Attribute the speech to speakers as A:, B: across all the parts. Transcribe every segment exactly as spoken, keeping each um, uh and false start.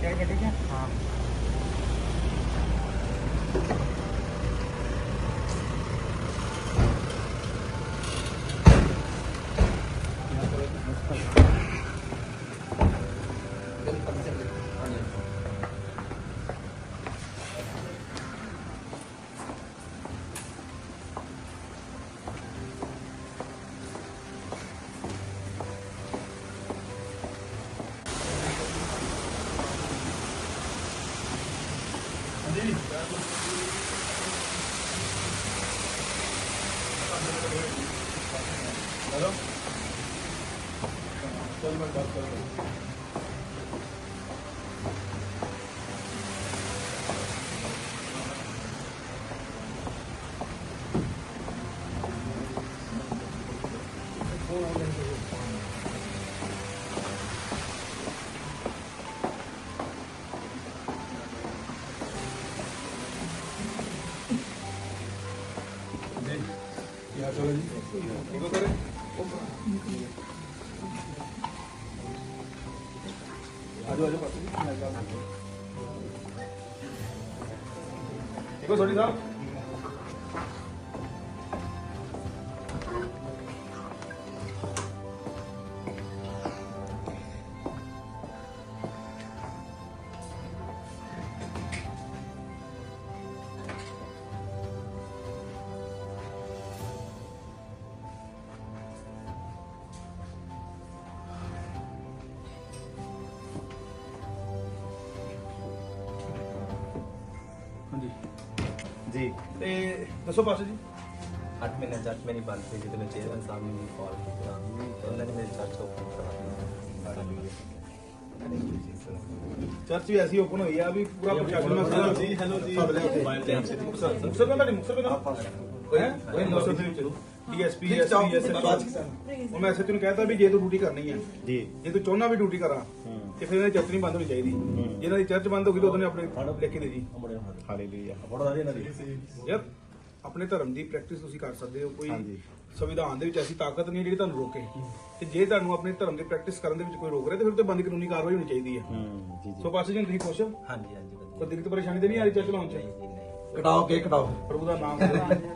A: क्या गड्डी क्या? हाँ हेलो चल मैं बात कर रहा हूँ। क्या चलो जी देखो करे आजो आजो देखो सोनी साहब जी
B: जी
A: ਤੇ ਦੱਸੋ ਪਾਸੇ ਜੀ
B: ਅੱਠ ਮਹੀਨੇ ਚਰਚ ਮੇਰੀ ਬੰਦ ਸੀ ਜਦੋਂ ਮੈਂ ਚੇਅਰਮੈਨ ਸਾਹਿਬ ਨੇ ਮੈਨੂੰ ਕਾਲ ਕੀਤਾ ਤੇ ਉਹਨਾਂ ਨੇ ਮੇਰੇ ਚਰਚ ਓਪਨ ਕਰਵਾ
A: ਚਰਚ ਵੀ ਐਸੀ ਓਪਨ ਹੋਈ ਆ ਵੀ ਪੂਰਾ ਪ੍ਰਸ਼ਾਸਨ ਮੈਂ ਸਾਰਾ ਜੀ ਹੈਲੋ ਜੀ ਮੋਬਾਈਲ ਤੇ ਆਪਸੇ ਮੁਕਸਰ ਮੁਕਸਰ ਦਾ ਮੁਕਸਰ ਦਾ ਹੈ ਉਹ ਮੁਕਸਰ ਦੇ ਵਿੱਚ ਡੀਐਸਪੀ ਐਸਪੀ ਐਸਐਚਓ ਉਹ ਮੈਂ ਐਸਐਚਓ ਨੂੰ ਕਹਿੰਦਾ ਵੀ ਜੇ ਤੂੰ ਡਿਊਟੀ ਕਰਨੀ ਹੈ
B: ਜੀ
A: ਜੇ ਤੂੰ ਚਾਹੁੰਦਾ ਵੀ ਡਿਊਟੀ ਕਰਾਂ ਤੇ ਫਿਰ ਇਹਨਾਂ ਦੀ ਚਰਚ ਨਹੀਂ ਬੰਦ ਹੋਣੀ ਚਾਹੀਦੀ ਜਿਹਨਾਂ ਦੀ ਚਰਚ ਬੰਦ ਹੋ ਗਈ ਤਾਂ ਉਹਨੇ ਆਪਣੇ ਲਿਖ ਕੇ ਦੇ ਜੀ
B: ਹਾਲੇਲੂਇਆ
A: ਯਾਰ ਆਪਣੇ ਧਰਮ ਦੀ ਪ੍ਰੈਕਟਿਸ ਤੁਸੀਂ ਕਰ ਸਕਦੇ ਹੋ ਕੋਈ ਸੰਵਿਧਾਨ ਦੇ ਵਿੱਚ ਐਸੀ ਤਾਕਤ ਨਹੀਂ ਜਿਹੜੀ ਤੁਹਾਨੂੰ ਰੋਕੇ ਤੇ ਜੇ ਤੁਹਾਨੂੰ ਆਪਣੇ ਧਰਮ ਦੀ ਪ੍ਰੈਕਟਿਸ ਕਰਨ ਦੇ ਵਿੱਚ ਕੋਈ ਰੋਕ ਰਿਹਾ ਤੇ ਫਿਰ ਤੇ ਬੰਦ ਕਾਨੂੰਨੀ ਕਾਰਵਾਈ ਹੋਣੀ ਚਾਹੀਦੀ ਹੈ ਸੋ ਪਾਸੇ ਜੀ ਤੁਸੀਂ ਖੁਸ਼ ਹੋ
B: ਹਾਂਜੀ ਹਾਂਜੀ ਵਧੀਆ
A: ਕੋਈ ਦਿੱਕਤ ਪਰੇਸ਼ਾਨੀ ਤੇ ਨਹੀਂ ਆ ਰਹੀ ਚਰਚ ਲਾਉਣ ਚ
C: ਕਟਾਓ ਕੇਕ ਕਟਾਓ
A: ਪ੍ਰਭੂ ਦਾ ਨਾਮ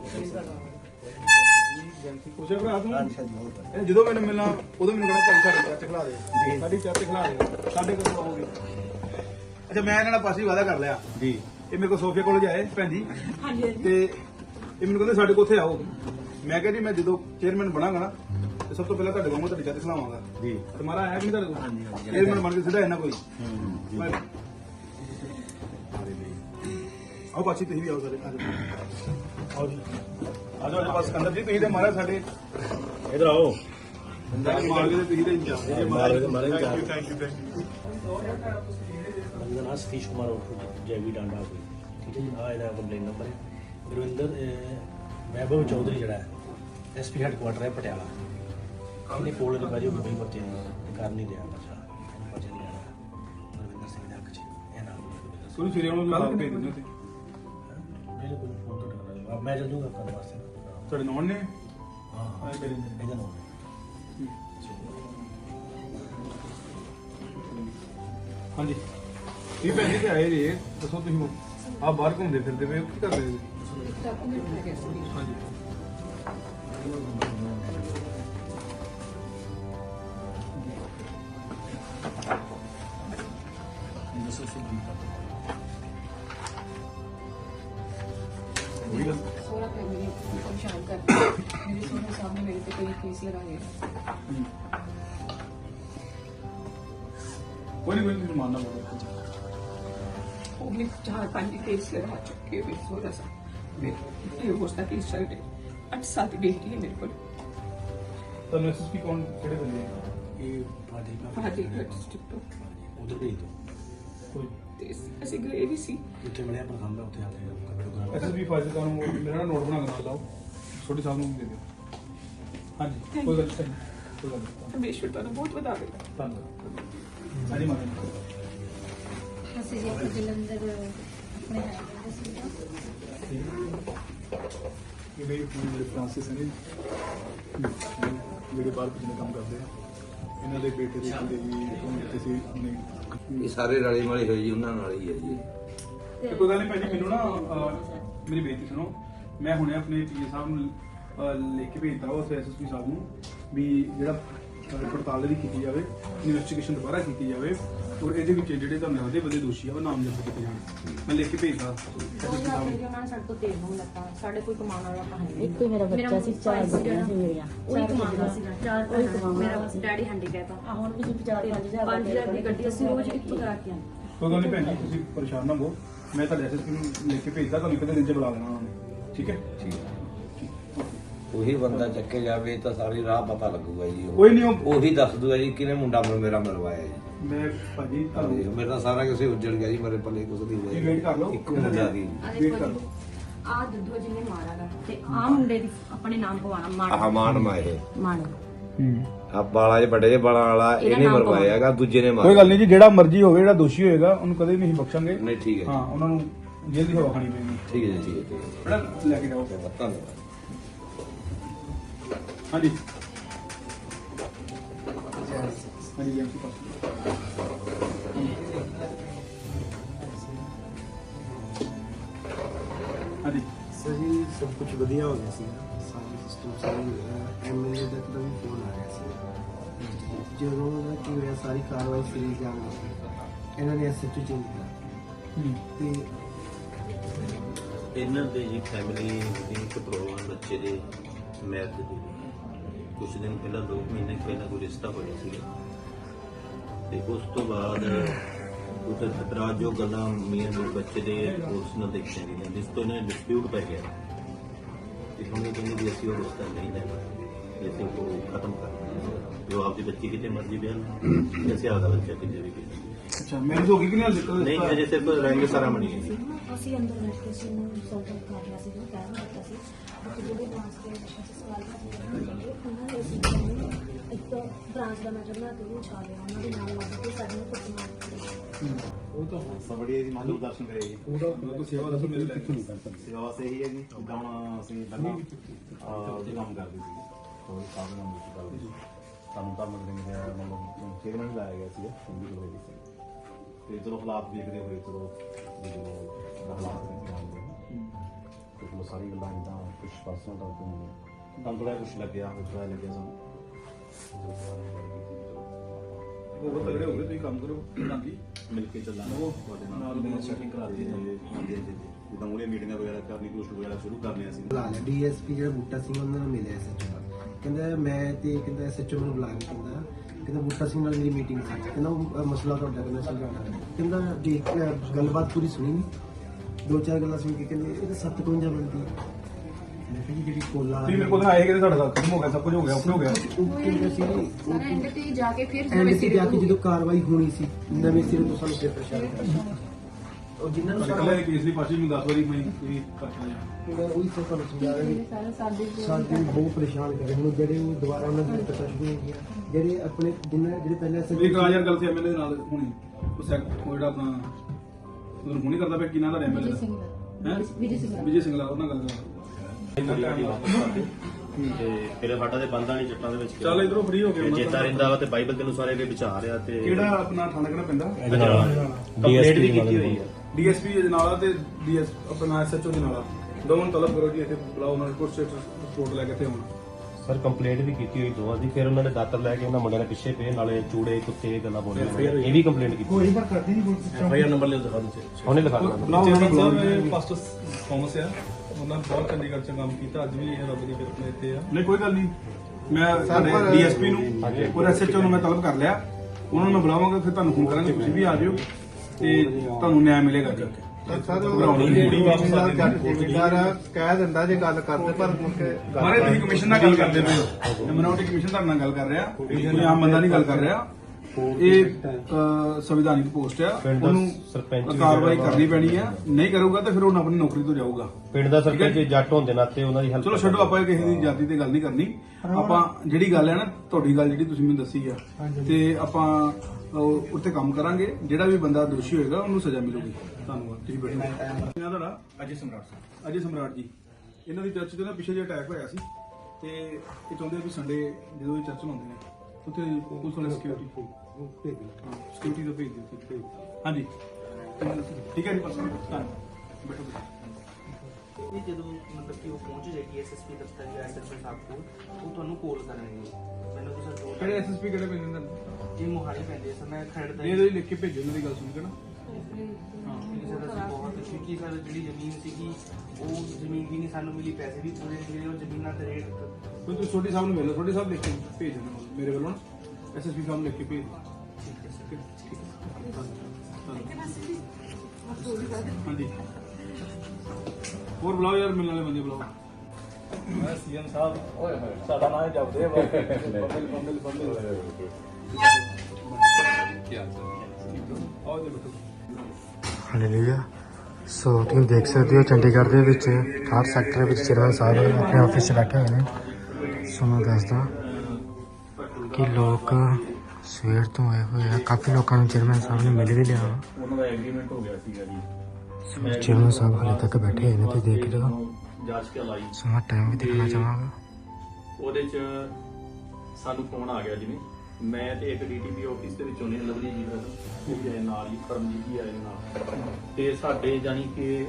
A: ਖੁਸ਼ ਹੈ ਭਰਾ ਤੂੰ ਇਹ ਜਦੋਂ ਮੈਨੂੰ ਮਿਲਣਾ ਉਦੋਂ ਮੈਨੂੰ ਕਹਿਣਾ ਭਾਈ ਸਾਡੀ ਚਰਚ ਖਿਲਾ ਦੇ ਸਾਡੀ ਚਰਚ ਖਿਲਾ ਦੇ ਸਾਡੇ ਕੋਲ ਆਓਗੇ ਅੱਛਾ ਮੈਂ ਇਹਨਾਂ ਨਾਲ ਪਾਸੇ ਵਾਅਦਾ ਕਰ ਲਿਆ
B: ਜੀ
A: ਇਹ ਮੇਰੇ ਕੋਲ ਸੋਫੇ ਕੋਲ ਜਾਏ ਭੈਣ ਜੀ ਤੇ ਇਹ ਮੈਨੂੰ ਕਹਿੰਦੇ ਸਾਡੇ ਕੋਲ ਉੱਥੇ ਆਓ ਮੈਂ ਕਿਹਾ ਜੀ ਮੈਂ ਜਦੋਂ ਚੇਅਰਮੈਨ ਬਣਾਂਗਾ ਨਾ ਤੇ ਸਭ ਤੋਂ ਪਹਿਲਾਂ ਤੁਹਾਡੇ ਕੋਲ ਮੈਂ ਤੁਹਾਡੀ ਚਰਚ ਖਿਲਾਵਾਂਗਾ
B: ਜੀ
A: ਤੁਹਾਡਾ ਆਇਆ ਕਿ ਨਹੀਂ ਤੁਹਾਡੇ ਕੋਲ
B: ਹਾਂਜੀ ਹਾਂਜੀ
A: ਚੇਅਰਮੈਨ ਬਣ ਕੇ ਸਿੱਧਾ ਇਹਨਾਂ ਕੋਈ
B: ਹੂੰ
A: ਆਓ ਪਾਛੀ ਤੁਸੀਂ ਵੀ ਆਓ ਸਾਰੇ ਆਓ ਜੀ ਆਜੋ ਆਜੋ ਬਸ ਕੰਦਰ ਜੀ ਤੁਸੀਂ ਤੇ ਮਾਰਾ ਸਾਡੇ
B: ਇਧਰ ਆਓ
A: ਮਾਰ ਕੇ ਤੁਸੀਂ ਤੇ ਇੰਚਾਰਜ
B: ਮਾਰੇ ਮਾਰੇ
A: thank you thank you thank you
D: ਮੇਰਾ ਨਾਮ ਸਤੀਸ਼ ਕੁਮਾਰ ਉਰਫ ਜੈਵੀ ਡਾਂਡਾ ਕੋਈ ਠੀਕ ਹੈ ਜੀ ਆ ਇਹਦਾ ਕੰਪਲੇਨ ਨੰਬਰ ਹੈ ਗੁਰਵਿੰਦਰ ਵੈਭਵ ਚੌਧਰੀ ਜਿਹੜਾ ਹੈ ਐਸਪੀ ਹੈਡਕੁਆਟਰ ਹੈ ਪਟਿਆਲਾ ਇਹਨੇ ਕੋਲ ਦੇ ਬਾਜੂ ਕੋਈ ਬੱਚੇ ਕਰ ਨਹੀਂ ਰਿਹਾ ਬੱਚਾ ਇਹਨੂੰ ਬੱਚੇ ਨਹੀਂ ਆਣਾ ਗੁਰਵਿੰਦਰ ਸਿੰਘ ਦੇ ਹੱਕ 'ਚ ਇਹ ਨਾਮ
A: ਸੁਣੀ ਫਿਰ ਉਹਨੂੰ ਕੱਲ ਭੇਜ ਦਿੰਦੇ ਤੇ
D: ਮੇਰੇ ਕੋਲ ਫੋਨ ਤੋਂ ਟਕਰਾ ਮੈਂ ਚੱਲ ਜੂਗਾ ਕਰਨ ਵਾਸਤੇ
A: ਤੁਹਾਡੇ ਨੌਨ ਨੇ
D: ਹਾਂ ਹਾਂ ਇਹਦਾ ਨਾਮ ਹੈ
A: ਹਾਂਜੀ ਇਹ ਭੈਣ ਜੀ ਤੇ ਆਏ ਜੀ ਦੱਸੋ ਤੁਸੀਂ ਆ ਬਾਹਰ ਘੁੰਮਦੇ ਫਿਰਦੇ ਪਏ ਕੀ ਕਰਦੇ ਜੀ ਹਾਂਜੀ
E: सोलह फरवरी परेशान कर मेरे सोने सामने मेरे पे कोई केस लगाए
A: कोई नहीं कोई नहीं मानना पड़ेगा
E: वो भी चार पांच केस लगा चुके हैं सोलह साल मेरे वो उसका केस चल रहे आठ साल की बेटी है मेरे को
A: तो एसएसपी कौन किहड़े बंदे
D: ਇਹ ਫਾਦੀ
E: फतेहगढ़ डिस्ट्रिक्ट तो
D: ਉਧਰ ਭੇਜ ਦਿਓ
A: कोई
E: ते ਅਸੀਂ ਗਏ ਵੀ ਸੀ
D: ਜਿੱਥੇ ਮਿਲਿਆ ਪ੍ਰਥਮ ਹੈ ਉੱਥੇ ਆ ਕੇ ਵੀਡੀਓ
A: ਐਸਐਸਪੀ ਫਾਜ਼ਿਲ ਤੁਹਾਨੂੰ ਮੇਰਾ ਨੋਟ ਬਣਾ ਕੇ ਨਾਲ ਲਾਓ ਛੋਟੀ ਸਾਹਿਬ ਨੂੰ ਵੀ ਦੇ ਦਿਓ ਹਾਂਜੀ ਕੋਈ ਗੱਲ ਨਹੀਂ ਕੋਈ ਗੱਲ ਨਹੀਂ
E: ਹਮੇਸ਼ਾ ਤੁਹਾਨੂੰ ਬਹੁਤ ਵਧਾਵੇ
A: ਧੰਨਵਾਦ ਹਾਂਜੀ ਮਾਤਾ
F: ਅਸੀਂ ਜੀ ਆਪਣੇ ਜਲੰਧਰ ਆਪਣੇ ਹਸਬੰਦ ਦਾ ਸੀਗਾ
A: ਇਹ ਮੇਰੀ ਫ੍ਰਾਂਸਿਸ ਨੇ ਜਿਹੜੇ ਬਾਹਰ ਕੁਝ ਕੰਮ ਕਰਦੇ ਆ ਇਹਨਾਂ ਦੇ ਬੇਟੇ ਦੀ ਕੁੜੀ ਵੀ ਕਿਸੇ ਨੇ
C: ਇਹ ਸਾਰੇ ਰਲੇ ਵਾਲੇ ਹੋਏ ਜੀ ਉਹਨਾਂ ਨਾਲ ਹੀ ਹੈ ਜੀ
A: ਤੇ ਕੋਈ ਗੱਲ ਨਹੀਂ ਭੈਣ ਜੀ ਮੈਨੂੰ ਨਾ ਅਹ, ਮੇਰੀ ਬੇਨਤੀ ਸੁਣੋ ਮੈਂ ਹੁਣੇ ਆਪਣੇ ਪੀਏ ਸਾਹਿਬ ਨੂੰ ਅਹ, ਲਿਖ ਕੇ ਭੇਜਤਾ ਉਸ ਐਸਐਸਪੀ ਸਾਹਿਬ ਨੂੰ ਵੀ ਜਿਹੜਾ ਅਹ, ਪੜਤਾਲ ਦੀ ਕੀਤੀ ਜਾਵੇ ਇਨਵੈਸਟੀਗੇਸ਼ਨ ਦੁਬਾਰਾ ਕੀਤੀ ਜਾਵੇ ਔਰ ਇਹਦੇ ਵਿੱਚ ਜਿਹੜੇ ਤੁਹਾਨੂੰ ਉਹਦੇ ਬੰਦੇ ਦੋਸ਼ੀ ਆ ਉਹ ਨਾਮਜ਼ਦ ਕੀਤੇ ਜਾਣ ਮੈਂ ਲਿਖ ਕੇ ਭੇਜਤਾ ਐਸਐਸਪੀ ਸਾਹਿਬ ਨੂੰ
G: ਉਹਨਾਂ ਨੇ ਸਾਡੇ ਤੋਂ ਤੇਲ ਨੂੰ ਲੱਤਾ ਸਾਡੇ ਕੋਈ ਕਮਾਉਣ ਵਾਲਾ ਤਾਂ ਹੈ ਨਹੀਂ।
H: ਇੱਕ ਹੀ ਮੇਰਾ ਬੱਚਾ ਸੀ, ਚਾਰ ਬੱਚੀਆਂ ਸੀ ਮੇਰੀਆਂ।
G: ਉਹੀ ਕਮਾਉਂਦਾ ਸੀਗਾ ਚਾਰ
H: ਉਹੀ
G: ਭੈਣਾਂ।
H: ਕਮਾਉਂਦਾ
G: ਮੇਰਾ
H: ਸੀ।
G: ਡੈਡੀ ਹੈਂਡੀਕੈਪ ਆ
H: ਆ ਹੁਣ ਵੀ ਜੀ ਚਾਰ ਪੰਜ ਹਜ਼ਾਰ
G: ਪੰਜ ਹਜ਼ਾਰ ਦੀ ਗੱਡੀ ਅਸੀਂ ਰੋਜ਼ ਇੱਥੋਂ ਕਰਾ ਕੇ ਆਉਂਦੇ।
A: ਕੋਈ ਗੱਲ ਨਹੀਂ ਭੈਣ ਜੀ ਤੁਸੀਂ ਪਰੇਸ਼ਾਨ ਨਾ ਹੋ ਮੈਂ ਤੁਹਾਡੇ ਐਸਐਸਪੀ ਨੂੰ ਲਿਖ ਕੇ ਭੇਜਦਾ ਤੁਹਾਨੂੰ ਕਿਤੇ ਦਿਨ ਚ ਬੁਲਾ ਦੇਣਾ ਉਹਨਾਂ ਨੇ ਠੀਕ ਹੈ
C: ਉਹੀ ਬੰਦਾ ਚੱਕੇ ਜਾਵੇ ਤਾਂ ਸਾਰੀ ਰਾਹ ਪਤਾ ਲੱਗੂਗਾ ਜੀ ਉਹ।
A: ਕੋਈ ਨਹੀਂ ਉਹ
C: ਉਹੀ ਦੱਸ ਦੂਗਾ ਜੀ ਕਿਹਨੇ ਮੁੰਡਾ ਮੇਰਾ ਮਰਵਾਇਆ ਜੀ
A: ਮੈਂ ਭਾਜੀ
C: ਆਹ ਦੇਖ,
A: ਤੁਹਾਨੂੰ
C: ਮੇਰਾ ਸਾਰਾ ਕਿਸੇ ਉੱਜੜ ਗਿਆ ਜੀ ਮੇਰੇ ਪੱਲੇ ਕੁਛ ਨਹੀਂ
A: ਤੁਸੀਂ
C: ਹੋਇਆ
A: ਵੇਟ ਕਰ ਲਓ
C: ਇੱਕ ਮੁੰਡਾ ਦੀ
G: ਆ
A: ਵੇਟ
G: ਦੇਖੋ
A: ਕਰ
G: ਜੀ
A: ਲਓ
G: ਆ ਦੁੱਧੂ ਜਿਹਨੇ ਮਾਰਾਗਾ ਤੇ ਆ ਮੁੰਡੇ ਦੀ ਆਪਣੇ ਨਾਮ ਪਵਾਣਾ ਮਾਣ
C: ਆਹ ਮਾਨ ਮਾਏ
G: ਮਾਣ
C: ਆ ਬਾਲਾ ਜੇ ਵੱਡੇ ਜੇ ਬਾਲਾਂ ਵਾਲਾ
G: ਇਹਦਾ
C: ਇਹਨੇ
G: ਨਾਮ
C: ਮਰਵਾਇਆ ਹੈਗਾ ਦੂਜੇ ਨੇ
A: ਕੋਈ
C: ਮਾਰਿਆ
A: ਗੱਲ ਨਹੀਂ ਜੀ ਜਿਹੜਾ ਮਰਜ਼ੀ ਹੋਵੇ ਜਿਹੜਾ ਦੋਸ਼ੀ ਹੋਏਗਾ ਉਹਨੂੰ ਕਦੇ ਵੀ ਨਹੀਂ ਬਖਸ਼ਾਂਗੇ
C: ਨਹੀਂ ਠੀਕ ਹੈ
A: ਹਾਂ ਉਹਨਾਂ ਨੂੰ ਜੇਲ੍ਹ ਦੀ ਹਵਾ ਖਾਣੀ ਪੈਣੀ
C: ਠੀਕ ਹੈ ਜੀ ਠੀਕ ਹੈ ਠੀਕ ਹੈ
A: ਬੜਾ ਲੈ ਕੇ ਜਾਓ
C: ਧੰਨਵਾਦ
A: ਹਾਂਜੀ ਹਾਂਜੀ ਜੀ ਪਾਸ ਹਾਂਜੀ
I: ਸਰ ਜੀ ਸਭ ਕੁਝ ਵਧੀਆ ਹੋ ਗਿਆ ਸੀ ਸਾਰੀ ਸਿਸਟਮ ਸਾਰੀ ਐਮਐਲਏ ਦਾ ਤਾਂ ਵੀ ਫੋਨ ਆ ਰਿਹਾ ਸੀ ਜਦੋਂ ਉਹਦਾ ਕੀ ਹੋਇਆ ਸਾਰੀ ਕਾਰਵਾਈ ਸਰੀ ਜਾਣ ਲੱਗੀ ਇਹਨਾਂ ਨੇ ਐਸਐਚਓ ਚੇਂਜ ਕੀਤਾ ਤੇ
J: ਇਹਨਾਂ ਦੇ ਜੀ ਫੈਮਿਲੀ ਦੀ ਇੱਕ ਪ੍ਰੋਬਲਮ ਬੱਚੇ ਦੇ ਮੈਰਿਜ ਦੀ ਕੁਝ ਦਿਨ ਪਹਿਲਾਂ ਦੋ ਮਹੀਨੇ ਪਹਿਲਾਂ ਕੋਈ ਰਿਸ਼ਤਾ ਹੋਇਆ ਸੀ ਤੇ ਉਸ ਤੋਂ ਬਾਅਦ ਉਹਦੇ ਖਤਰਾ ਜੋ ਗੱਲਾਂ ਮੀਆਂ ਦੇ ਬੱਚੇ ਦੇ ਉਸ ਨਾਲ ਦੇਖੀਆਂ ਗਈਆਂ ਜਿਸ ਤੋਂ ਇਹਨਾਂ ਡਿਸਪਿਊਟ ਪੈ ਗਿਆ ਤੇ ਹੁਣ ਇਹ ਕਹਿੰਦੇ ਵੀ ਅਸੀਂ ਉਹ ਰਿਸ਼ਤਾ ਨਹੀਂ ਲੈਣਾ ਅਸੀਂ ਉਹ ਖਤਮ ਕਰ ਦੇਣਾ ਜੋ ਆਪਦੀ ਬੱਚੀ ਕਿਤੇ ਮਰਜ਼ੀ ਵਿਆਹ ਲੈ ਅਸੀਂ ਆਪਦਾ ਬੱਚਾ ਕਿਤੇ ਵੀ ਵਿਆਹ
A: ਅੱਛਾ ਮੈਰਿਜ ਹੋ ਗਈ ਕਿ ਨਹੀਂ ਹਾਲੇ ਤੱਕ
J: ਨਹੀਂ ਅਜੇ ਸਿਰਫ ਰੰਗ ਸੈਰਾਮਨੀ ਹੈ
H: ਅਸੀਂ ਅੰਦਰ ਬੈਠ ਕੇ ਸੀ ਨੂੰ ਸੌਲਟ ਕਰ ਰਿਹਾ ਸੀ ਜੋ ਕਹਿ ਰਿਹਾ ਸੀ ਕਿ ਜਿਹੜੇ ਬ੍ਰਾਂਚ ਦੇ ਵਿੱਚ ਸਵਾਲ ਕਰਦੇ ਉਹਨਾਂ ਨੇ ਅਸੀਂ ਇੱਕ ਬ੍ਰਾਂਚ ਦਾ ਮੈਟਰ ਬਣਾ ਕੇ ਉਹ ਛਾ ਲਿਆ ਉਹਨਾਂ ਦੇ ਨਾਲ ਲੱਗ ਕੇ ਸਾਡੇ ਨੂੰ ਕੁੱਟਮਾਰ
A: ਉਹ ਤਾਂ ਸਬੜੀ ਦੀ ਮਾਲੂ ਦਰਸ਼ਨ ਕਰੇਗੀ ਉਹਦਾ ਕੋਈ ਸੇਵਾ ਦੱਸੋ ਮੇਰੇ ਕਿੱਥੋਂ ਨਹੀਂ ਕਰ ਸਕਦੇ
K: ਸੇਵਾ ਸੇ ਹੀ ਹੈ ਜੀ ਜਿੱਦਾਂ ਹੁਣ ਅਸੀਂ ਪਹਿਲਾਂ ਉਹਦੇ ਕੰਮ ਕਰਦੇ ਸੀ ਕੋਈ ਕੰਮ ਨਾਲ ਮਿਲ ਕਰਦੇ ਸੀ ਸਾਨੂੰ ਤਾਂ ਮਿਲਦੇ ਨੇ ਮਤਲਬ ਚੇਅਰਮੈਨ ਵੀ ਲਾਇਆ ਗਿਆ ਸੀ ਚੰਗੀ ਲੋਕ ਸੀ ਤੇ ਜਦੋਂ ਹਾਲਾਤ ਦੇਖਦੇ ਹੋਏ ਚਲੋ ਜਦੋਂ ਹਾਲਾਤ ਦੇਖਦੇ ਤੇ ਉਹ ਸਾਰੀ ਗੱਲਾਂ ਜਿੱਦਾਂ ਕੁਝ ਪਰਸੋਂ ਦਾ ਤਾਂ ਥੋੜਾ ਕੁਝ ਲੱਗਿਆ ਥੋੜਾ ਲੱਗਿਆ ਸਾਨੂੰ
A: ਉਹ ਤਗੜੇ ਹੋ ਗਏ ਤੁਸੀਂ ਕੰਮ ਕਰੋ ਲਾਂਗੀ
K: ਮਿਲ ਕੇ ਚੱਲਾਂਗੇ ਤੁਹਾਡੇ ਨਾਲ ਸੈਟਿੰਗ ਕਰਾ ਦਿੱਤੀ ਹੈ ਜਿੱਦਾਂ ਉਹਨੇ ਮੀਟਿੰਗਾਂ ਵਗੈਰਾ ਕਰਨੀ ਕੁਝ ਵਗੈਰਾ ਸ਼ੁਰੂ ਕਰਨੇ ਅਸੀਂ
I: ਬੁਲਾ ਲਿਆ ਡੀਐਸਪੀ ਜਿਹੜਾ ਬੂਟਾ ਸਿੰਘ ਉਹਨਾਂ ਨੂੰ ਮਿਲਿਆ ਐਸਐਚਓ ਨਾਲ ਕਹਿੰਦਾ ਮੈਂ ਤੇ ਕਹਿੰਦਾ ਐਸਐਚਓ ਮੈਨੂੰ ਬੁਲਾ ਕੇ ਕਹਿੰਦਾ ਕਹਿੰਦਾ ਬੂਟਾ ਸਿੰਘ ਨਾਲ ਮੇਰੀ ਮੀਟਿੰਗ ਸੀ ਕਹਿੰਦਾ ਉਹ ਮਸਲਾ ਤੁਹਾਡਾ ਕਹਿੰਦਾ ਸਮਝਾਉਣਾ ਕਹਿੰਦਾ ਦੇਖ ਗੱਲਬਾਤ ਪੂਰੀ ਸੁਣੀ ਨਹੀਂ ਦੋ ਚਾਰ ਗੱਲਾਂ ਸੁਣ ਕੇ ਕਹਿੰਦੇ ਇਹ ਤਾਂ ਸੱਤ ਕੁ ਵੰਜਾ ਬਣਦੀ ਮੈਂ ਕਿਹਾ ਜੀ ਜਿਹੜੀ ਕੋਲਾ
A: ਤੁਸੀਂ ਮੇਰੇ ਕੋਲ ਆਏ ਕਿ ਤੁਹਾਡਾ ਖਤਮ ਹੋ ਗਿਆ ਸਭ ਕੁਝ ਹੋ ਗਿਆ ਓਕੇ ਹੋ ਗਿਆ
I: ਉਹ ਕਹਿੰਦਾ ਸੀ
G: ਸਾਰਾ ਐਂਡ ਤੇ ਜਾ ਕੇ ਫਿਰ
I: ਐਂਡ ਤੇ ਜਾ ਕੇ ਜਦੋਂ ਕਾਰਵਾਈ ਹੋਣੀ ਸੀ ਨਵੇਂ ਸਿਰੇ ਤੋਂ ਸਾਨੂੰ ਫਿਰ ਪਰੇਸ਼ਾਨ ਕਰਨਾ ਉਹ ਜਿੰਨਾਂ ਨੂੰ
A: ਕੱਲਾ ਇਹ ਕੇਸ ਦੀ ਪਾਸੇ ਨੂੰ ਦਸ ਵਾਰੀ ਮੈਂ ਇਹ ਕਰਦਾ
I: ਮੈਂ ਉਹੀ ਤਾਂ ਤੁਹਾਨੂੰ ਸਮਝਾ ਰਿਹਾ ਵੀ ਸਾਡੇ ਨੂੰ ਬਹੁਤ ਪਰੇਸ਼ਾਨ ਕਰ ਰਹੇ ਹੁਣ ਜਿਹੜੇ ਉਹ ਦੁਬਾਰਾ ਉਹਨਾਂ ਦੀ ਪਤਾ ਸ਼ੁਰੂ ਹੋ ਗਿਆ ਜਿਹੜੇ ਆਪਣੇ ਜਿੰਨਾ ਜਿਹੜੇ ਪਹਿਲਾਂ
A: ਇੱਕ
I: ਐਸਐਚਓ
A: ਆ ਯਾਰ ਗੱਲ ਸੀ ਐਮਐਲਏ ਦੇ ਨਾਲ ਹੁਣੀ ਉਹ ਸੈਕ ਉਹ ਜਿਹੜਾ ਆਪਣਾ ਤੁਹਾਨੂੰ ਹੁਣੀ ਕਰਦਾ ਪਿਆ ਕੀ ਨਾਂ ਦਾ ਐਮਐਲਏ ਦਾ ਹੈ ਵਿਜੇ ਸਿੰਘ ਵਿਜੇ ਸਿੰਘ ਨਾਲ ਉਹਨਾਂ ਗੱਲ ਕਰ
J: ਤੇ ਫਿਰ ਸਾਡਾ ਤੇ ਬੰਦਾ ਨਹੀਂ ਚੱਟਾਂ ਦੇ ਵਿੱਚ
A: ਚੱਲ ਇਧਰੋਂ ਫ੍ਰੀ ਹੋ
J: ਤੇ
A: ਕੇ
J: ਚੇਤਾ ਰਹਿੰਦਾ ਵਾ ਤੇ ਬਾਈਬਲ ਦੇ ਅਨੁਸਾਰ ਇਹਦੇ ਵਿਚਾਰ ਆ ਤੇ
A: ਕਿਹੜਾ ਆਪਣਾ ਥਾਣਾ ਕਿਹੜਾ ਪੈਂਦਾ
J: ਕੰਪਲੀਟ ਵੀ ਕੀਤੀ ਹੋਈ ਆ
A: ਡੀਐਸਪੀ ਦੇ ਨਾਲ ਤੇ ਡੀਐਸ ਆਪਣਾ ਐਸਐਚਓ ਦੇ ਨਾਲ ਦੋਵਾਂ ਨੂੰ ਤਲਬ ਕਰੋ ਜੀ ਇੱਥੇ ਬੁਲਾਓ ਉਹਨਾਂ ਕੋਲ ਰਿਪੋਰਟ ਲੈ ਕੇ ਇੱਥੇ ਆਉਣਾ
J: ਸਰ ਕੰਪਲੇਂਟ ਵੀ ਕੀਤੀ ਹੋਈ ਦੋਵਾਂ ਦੀ ਫਿਰ ਉਹਨਾਂ ਨੇ ਦਾਤਰ ਲੈ ਕੇ ਉਹਨਾਂ ਮੁੰਡਿਆਂ ਦੇ ਪਿੱਛੇ ਪਏ ਨਾਲੇ ਚੂੜੇ ਕੁੱਤੇ ਇਹ ਗੱਲਾਂ ਬੋਲੀਆਂ ਇਹ ਵੀ ਕੰਪਲੇਂਟ ਕੀਤੀ
I: ਹੋਈ ਪਰ ਕਰਦੀ ਨਹੀਂ police
J: F I R number ਲਿਓ ਦਿਖਾ ਦਿਓ ਹੁਣੇ ਲਿਖਾ ਦਿਓ
A: ਚੇਅਰਮੈਨ ਸਾਹਿਬ ਪਾਸਟਰ ਥੋਮਸ ਆ ਉਹਨਾਂ ਨੇ ਬਹੁਤ ਚੰਡੀਗੜ੍ਹ ਚ ਕੰਮ ਕੀਤਾ ਅੱਜ ਵੀ ਇਹ ਰੱਬ ਦੀ ਕਿਰਪਾ ਇੱਥੇ ਆ ਨਹੀਂ ਕੋਈ ਗੱਲ ਨਹੀਂ ਮੈਂ ਸਾਡੇ ਡੀਐਸਪੀ ਨੂੰ ਔਰ ਐਸਐਚਓ ਨੂੰ ਮੈਂ ਤਲਬ ਕਰ ਲਿਆ ਉਹਨਾਂ ਨੂੰ ਮੈਂ ਬੁਲਾਵਾਂਗਾ ਫਿਰ ਤੁਹਾਨੂੰ ਫੋਨ ਕਰਾਂਗੇ ਤੁਸੀਂ ਵੀ ਆ ਜਿਓ ਤੇ ਤੁਹਾਨੂੰ ਨਿਆਂ ਮਿਲੇਗਾ ਜੀ
I: ਸਰ
A: ਕੁੜੀ ਵਾਪਸ ਆ
I: ਕਹਿ ਦਿੰਦਾ ਜੇ ਗੱਲ ਕਰਦੇ ਪਰ ਮੁੱਕੇ
A: ਮਾਰੇ ਤੁਸੀਂ ਕਮਿਸ਼ਨ ਨਾਲ ਗੱਲ ਕਰਦੇ ਪਏ ਹੋ ਮਿਨੋਰਟੀ ਕਮਿਸ਼ਨ ਤੁਹਾਡੇ ਨਾਲ ਗੱਲ ਕਰ ਰਿਹਾ ਕੋਈ ਆਮ ਬੰਦਾ ਨਹੀਂ ਗੱਲ ਕਰ ਰਿਹਾ ਇਹ ਅਹ, ਸੰਵਿਧਾਨਿਕ ਪੋਸਟ ਆ ਉਹਨੂੰ ਕਾਰਵਾਈ ਕਰਨੀ ਪੈਣੀ ਆ ਨਹੀਂ ਕਰੂਗਾ ਤਾਂ ਫਿਰ ਉਹ ਆਪਣੀ ਨੌਕਰੀ ਤੋਂ ਜਾਊਗਾ
J: ਪਿੰਡ ਦਾ ਸਰਪੰਚ ਜੱਟ ਹੋਣ ਦੇ ਨਾਤੇ ਉਹਨਾਂ ਦੀ ਹੈਲਪ
A: ਚਲੋ ਛੱਡੋ ਆਪਾਂ ਕਿਸੇ ਦੀ ਜਾਤੀ ਤੇ ਗੱਲ ਨਹੀਂ ਕਰਨੀ ਆਪਾਂ ਜਿਹੜੀ ਗੱਲ ਹੈ ਨਾ ਤੁਹਾਡੀ ਗੱਲ ਜਿਹੜੀ ਤੁਸੀਂ ਮੈਨੂੰ ਦੱਸੀ ਆ ਤੇ ਆਪਾਂ ਅਹ, ਉੱਤੇ ਕੰਮ ਕਰਾਂਗੇ ਜਿਹੜਾ ਵੀ ਬੰਦਾ ਦੋਸ਼ੀ ਹੋਏਗਾ ਉਹਨੂੰ ਸਜ਼ਾ ਮਿਲੂਗੀ ਧੰਨਵਾਦ ਤੁਸੀਂ ਬੈਠੋ ਇਹਨਾਂ ਦਾ ਅਜੇ ਸਮਰਾਟ ਸਾਹਿਬ ਅਜੇ ਸਮਰਾਟ ਜੀ ਇਹਨਾਂ ਦੀ ਚਰਚ ਤੇ ਨਾ ਪਿੱਛੇ ਜਿਹਾ ਅਟੈਕ ਹੋਇਆ ਸੀ ਤੇ ਇਹ ਚਾਹੁੰਦੇ ਆ ਵੀ ਸੰਡੇ ਜਦੋਂ ਇਹ ਚਰਚ ਲਾਉਂਦੇ ਨੇ ਉੱਥੇ ਪੁਲਿਸ ਵਾਲੇ ਸਿਕਿਉਰਿਟੀ
I: ਭੇਜ ਦਿਓ
A: ਸਿਕਿਉਰਿਟੀ ਦਾ ਭੇਜ ਦਿਓ ਉੱਥੇ ਭੇਜ ਦਿਓ। ਹਾਂਜੀ ਠੀਕ ਹੈ ਜੀ ਪਰਸਨ ਧੰਨਵਾਦ ਬੈਠੋ ਬੈਠੋ।
L: ਇਹ ਜਦੋਂ ਮਤਲਬ ਕਿ ਉਹ ਪਹੁੰਚ ਜਾਏਗੀ ਐਸਐਸਪੀ ਦਫ਼ਤਰ ਜਾਂ ਐਸਐਸਪੀ ਸਾਹਿਬ ਕੋਲ ਉਹ ਤੁਹਾਨੂੰ ਕਾਲ ਕਰਨਗੇ ਮੈਨੂੰ ਤੁਸੀਂ ਦੋ
A: ਕਿਹੜੇ ਐਸਐਸਪੀ ਕਿਹੜੇ ਪੈਂਦੇ ਨੇ
L: ਇਹ ਮੋਹਾਲੀ ਪੈਂਦੇ ਸਰ ਮੈਂ ਖਰੜ ਦਾ
A: ਇਹ ਇਹਦੇ ਲਿਖ ਕੇ ਭੇਜੋ ਇਹਨਾਂ ਦੀ ਗੱਲ ਸੁਣ ਕੇ ਨਾ
L: ਸਰ ਅਸੀਂ ਬਹੁਤ ਕਿਉਂਕਿ ਸਰ ਜਿਹੜੀ ਜ਼ਮੀਨ ਸੀਗੀ ਉਹ ਜ਼ਮੀਨ ਵੀ ਨਹੀਂ ਸਾਨੂੰ ਮਿਲੀ ਪੈਸੇ ਵੀ ਪੂਰੇ ਮਿਲੇ ਉਹ ਜ਼ਮੀਨਾਂ ਦੇ ਰੇਟ
A: ਕੋਈ ਤੁਸੀਂ ਛੋਟੀ ਸਾਹਿਬ ਨੂੰ ਮਿਲੋ ਛੋਟੀ ਸਾਹਿਬ ਲਿਖ ਕੇ ਭੇਜ ਦੇਣਾ ਮੇਰੇ ਵੱਲੋਂ ਐਸਐਸਪੀ ਸਾਹਿਬ ਨੂੰ ਲਿਖ ਕੇ ਭੇਜ ਦਿਓ ਹਾਂਜੀ ਹੋਰ ਬੁਲਾਓ ਯਾਰ ਮਿਲਣ ਵਾਲੇ ਬੰਦੇ ਬੁਲਾਓ
K: ਮੈਂ ਸੀਐਮ ਸਾਹਿਬ ਓਏ ਹੋਏ ਸਾਡਾ ਨਾਂ ਹੀ ਜਪਦੇ ਬੰਦਲ ਬੰਦਲ ਬੰਦਲ
A: ਆਓ ਜੀ ਬੈਠੋ
M: ਹਾਲੇਲੂਇਆ। ਸੋ ਤੁਸੀਂ ਦੇਖ ਸਕਦੇ ਹੋ ਚੰਡੀਗੜ੍ਹ ਦੇ ਵਿੱਚ ਹਰ ਸੈਕਟਰ ਵਿੱਚ ਚੇਅਰਮੈਨ ਸਾਹਿਬ ਆਪਣੇ ਆਫਿਸ 'ਚ ਬੈਠੇ ਹੋਏ ਨੇ। ਸੋ ਮੈਂ ਦੱਸਦਾ ਕਿ ਲੋਕ ਸਵੇਰ ਤੋਂ ਆਏ ਹੋਏ ਆ, ਕਾਫੀ ਲੋਕਾਂ ਨੂੰ ਚੇਅਰਮੈਨ ਸਾਹਿਬ ਨੇ ਮਿਲ ਵੀ ਲਿਆ।
K: ਉਹਨਾਂ ਦਾ ਐਗਰੀਮੈਂਟ ਹੋ ਗਿਆ ਸੀਗਾ ਜੀ।
M: ਸੋ ਚੇਅਰਮੈਨ ਸਾਹਿਬ ਹਾਲੇ ਤੱਕ ਬੈਠੇ ਹੋਏ ਨੇ, ਤੁਸੀਂ ਦੇਖ ਰਹੇ ਹੋ।
K: ਜਾਂਚ ਕੇ ਲਾਈ
M: ਸੋ ਮੈਂ ਟਾਈਮ ਵੀ ਦੇਖਣਾ ਚਾਹਾਂਗਾ।
K: ਉਹਦੇ 'ਚ ਸਾਨੂੰ ਫੋਨ ਆ ਗਿਆ ਜਿਵੇਂ ਮੈਂ ਤੇ ਇੱਕ ਡੀਟੀਪੀ ਆਫਿਸ ਦੇ ਵਿੱਚੋਂ ਨੇ ਲਵਲੀ ਜੀ ਦਾ ਉਹ ਵੀ ਆਏ ਨਾਲ ਹੀ ਪਰਮਜੀਤ ਜੀ ਆਏ ਨਾਲ ਤੇ ਸਾਡੇ ਜਾਨੀ ਕਿ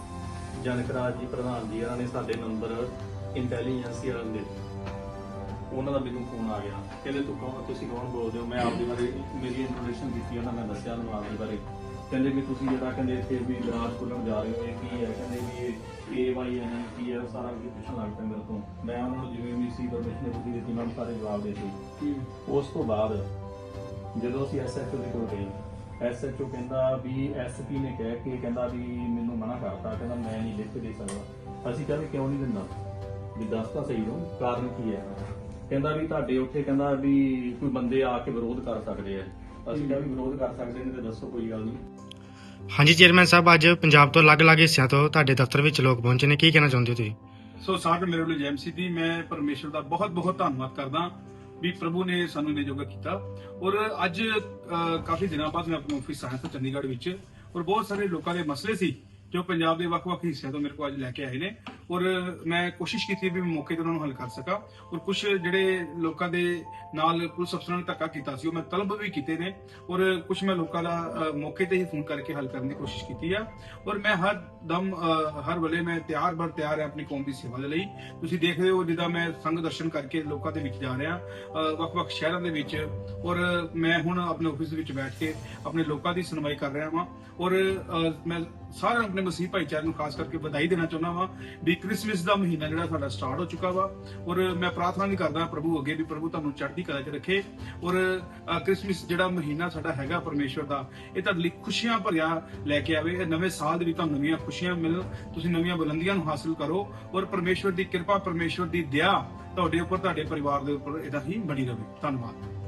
K: ਜਨਕਰਾਜ ਜੀ ਪ੍ਰਧਾਨ ਜੀ ਉਹਨਾਂ ਨੇ ਸਾਡੇ ਨੰਬਰ ਇੰਟੈਲੀਜੈਂਸ ਵਾਲਿਆਂ ਦੇ ਉਹਨਾਂ ਦਾ ਮੈਨੂੰ ਫੋਨ ਆ ਗਿਆ ਕਹਿੰਦੇ ਤੂੰ ਕੌਣ ਤੁਸੀਂ ਕੌਣ ਬੋਲਦੇ ਹੋ। ਮੈਂ ਆਪਦੇ ਬਾਰੇ ਮੇਰੀ ਇੰਟਰੋਡਕਸ਼ਨ ਦਿੱਤੀ ਉਹਨਾਂ ਮੈਂ ਦੱਸਿਆ ਉਹਨਾਂ ਆਪਦੇ ਬਾਰੇ। ਕਹਿੰਦੇ ਵੀ ਤੁਸੀਂ ਜਿਹੜਾ ਕਹਿੰਦੇ ਇੱਥੇ ਵੀ ਬ੍ਰਾਂਚ ਖੋਲ੍ਹਣ ਜਾ ਰਹੇ ਹੋ ਇਹ ਕੀ ਹੈ। ਕਹਿੰਦੇ ਵੀ ਇਹ ਏ ਵਾਈ ਐਨ ਕੀ ਹੈ ਸਾਰਾ ਕੁਝ ਪੁੱਛਣ ਲੱਗ ਪਿਆ ਮੇਰੇ ਤੋਂ। ਮੈਂ ਉਹਨਾਂ ਨੂੰ ਜਿਵੇਂ ਵੀ ਸੀ ਪਰਮਿਸ਼ਨ ਦਿੱਤੀ ਦਿੱਤੀ ਮੈਂ ਸਾਰੇ ਜਵਾਬ ਦੇ ਦਿੱਤੇ। ਉਸ ਤੋਂ ਬਾਅਦ ਜਦੋਂ ਅਸੀਂ ਐਸ ਐਚ ਓ ਦੇ ਕੋਲ ਗਏ ਐਸ ਐਚ ਓ ਕਹਿੰਦਾ ਵੀ ਐਸ ਪੀ ਨੇ ਕਹਿ ਕੇ ਕਹਿੰਦਾ ਵੀ ਮੈਨੂੰ ਮਨਾ ਕਰਤਾ ਕਹਿੰਦਾ ਮੈਂ ਨਹੀਂ ਲਿਖ ਕੇ ਦੇ ਸਕਦਾ। ਅਸੀਂ ਕਹਿੰਦੇ ਕਿਉਂ ਨਹੀਂ ਦਿੰਦਾ ਵੀ ਦੱਸ ਤਾਂ ਸਹੀ ਹੋ ਕਾਰਨ ਕੀ ਹੈ। ਕਹਿੰਦਾ ਵੀ ਤੁਹਾਡੇ ਉੱਥੇ ਕਹਿੰਦਾ ਵੀ ਕੋਈ ਬੰਦੇ ਆ ਕੇ ਵਿਰੋਧ ਕਰ ਸਕਦੇ ਆ। ਅਸੀਂ ਕਿਹਾ ਵੀ ਵਿਰੋਧ ਕਰ ਸਕਦੇ ਨੇ ਤੇ ਦੱਸੋ ਕੋਈ ਗੱਲ ਨਹੀਂ।
M: ਹਾਂਜੀ ਚੇਅਰਮੈਨ ਸਾਹਿਬ, ਅੱਜ ਪੰਜਾਬ ਤੋਂ ਅਲੱਗ-ਅਲੱਗ ਹਿੱਸਿਆਂ ਤੋਂ ਤੁਹਾਡੇ ਦਫ਼ਤਰ ਵਿੱਚ ਲੋਕ ਪਹੁੰਚੇ ਨੇ, ਕੀ ਕਹਿਣਾ ਚਾਹੁੰਦੇ ਹੋ ਤੁਸੀਂ?
A: ਸੋ ਸਾਰਿਆਂ ਮੇਰੇ ਵੱਲੋਂ ਜੈ ਮਸੀਹ ਦੀ। ਮੈਂ ਪਰਮੇਸ਼ਰ ਦਾ ਬਹੁਤ ਬਹੁਤ ਧੰਨਵਾਦ ਕਰਦਾ ਵੀ ਪ੍ਰਭੂ ਨੇ ਸਾਨੂੰ ਇਹਨੇ ਜੋਗਾ ਕੀਤਾ। ਔਰ ਅੱਜ ਕਾਫੀ ਦਿਨਾਂ ਬਾਅਦ ਮੈਂ ਆਪਣੇ ਆਫਿਸ ਆਇਆ ਸੀ ਚੰਡੀਗੜ੍ਹ ਵਿੱਚ ਔਰ ਬਹੁਤ ਸਾਰੇ ਲੋਕਾਂ ਦੇ ਮਸਲੇ ਸੀ ਜੋ ਪੰਜਾਬ ਦੇ ਵੱਖ-ਵੱਖ ਹਿੱਸਿਆਂ ਤੋਂ ਮੇਰੇ ਕੋਲ ਅੱਜ ਲੈ ਕੇ ਆਏ ਨੇ ਔਰ ਮੈਂ ਕੋਸ਼ਿਸ਼ ਕੀਤੀ ਵੀ ਮੌਕੇ ਤੇ ਉਹਨਾਂ ਨੂੰ ਹੱਲ ਕਰ ਸਕਾਂ। ਔਰ ਕੁਝ ਜਿਹੜੇ ਲੋਕਾਂ ਦੇ ਨਾਲ ਪੁਲਿਸ ਅਫਸਰਾਂ ਨੇ ਧੱਕਾ ਕੀਤਾ ਸੀ ਉਹ ਮੈਂ ਤਲਬ ਵੀ ਕੀਤੇ ਨੇ ਔਰ ਕੁਝ ਮੈਂ ਲੋਕਾਂ ਦਾ ਮੌਕੇ ਤੇ ਹੀ ਫੋਨ ਕਰਕੇ ਹੱਲ ਕਰਨ ਦੀ ਕੋਸ਼ਿਸ਼ ਕੀਤੀ ਆ। ਔਰ ਮੈਂ ਹਰ ਦਮ ਹਰ ਵੇਲੇ ਮੈਂ ਤਿਆਰ ਬਰ ਤਿਆਰ ਹਾਂ ਆਪਣੀ ਕੌਮ ਦੀ ਸੇਵਾ ਦੇ ਲਈ। ਤੁਸੀਂ ਦੇਖਦੇ ਹੋ ਜਿੱਦਾਂ ਮੈਂ ਸੰਗ ਦਰਸ਼ਨ ਕਰਕੇ ਲੋਕਾਂ ਦੇ ਵਿੱਚ ਜਾ ਰਿਹਾ ਵੱਖ-ਵੱਖ ਸ਼ਹਿਰਾਂ ਦੇ ਵਿੱਚ ਔਰ ਮੈਂ ਹੁਣ ਆਪਣੇ ਆਫਿਸ ਵਿੱਚ ਬੈਠ ਕੇ ਆਪਣੇ ਲੋਕਾਂ ਦੀ ਸੁਣਵਾਈ ਕਰ ਰਿਹਾ ਹਾਂ। ਔਰ ਮੈਂ ਸਾਰਿਆਂ ਆਪਣੇ ਮਸੀਹ ਭਾਈਚਾਰੇ ਨੂੰ ਖਾਸ ਕਰਕੇ ਵਧਾਈ ਦੇਣਾ ਚਾਹੁੰਦਾ ਵਾਂ ਵੀ ਕ੍ਰਿਸਮਸ ਦਾ ਮਹੀਨਾ ਜਿਹੜਾ ਸਾਡਾ ਸਟਾਰਟ ਹੋ ਚੁੱਕਾ ਵਾ। ਔਰ ਮੈਂ ਪ੍ਰਾਰਥਨਾ ਵੀ ਕਰਦਾ ਪ੍ਰਭੂ ਅੱਗੇ ਵੀ ਪ੍ਰਭੂ ਤੁਹਾਨੂੰ ਚੜ੍ਹਦੀ ਕਲਾ 'ਚ ਰੱਖੇ। ਔਰ ਕ੍ਰਿਸਮਸ ਜਿਹੜਾ ਮਹੀਨਾ ਸਾਡਾ ਹੈਗਾ ਪਰਮੇਸ਼ਵਰ ਦਾ ਇਹ ਤੁਹਾਡੇ ਲਈ ਖੁਸ਼ੀਆਂ ਭਰਿਆ ਲੈ ਕੇ ਆਵੇ। ਇਹ ਨਵੇਂ ਸਾਲ ਦੇ ਵਿੱਚ ਤੁਹਾਨੂੰ ਨਵੀਆਂ ਖੁਸ਼ੀਆਂ ਮਿਲਣ, ਤੁਸੀਂ ਨਵੀਆਂ ਬੁਲੰਦੀਆਂ ਨੂੰ ਹਾਸਲ ਕਰੋ ਔਰ ਪਰਮੇਸ਼ਵਰ ਦੀ ਕਿਰਪਾ ਪਰਮੇਸ਼ਵਰ ਦੀ ਦਇਆ ਤੁਹਾਡੇ ਉੱਪਰ ਤੁਹਾਡੇ ਪਰਿਵਾਰ ਦੇ ਉੱਪਰ ਇਹਦਾ ਹੀ ਬਣੀ ਰਹੇ। ਧੰਨਵਾਦ।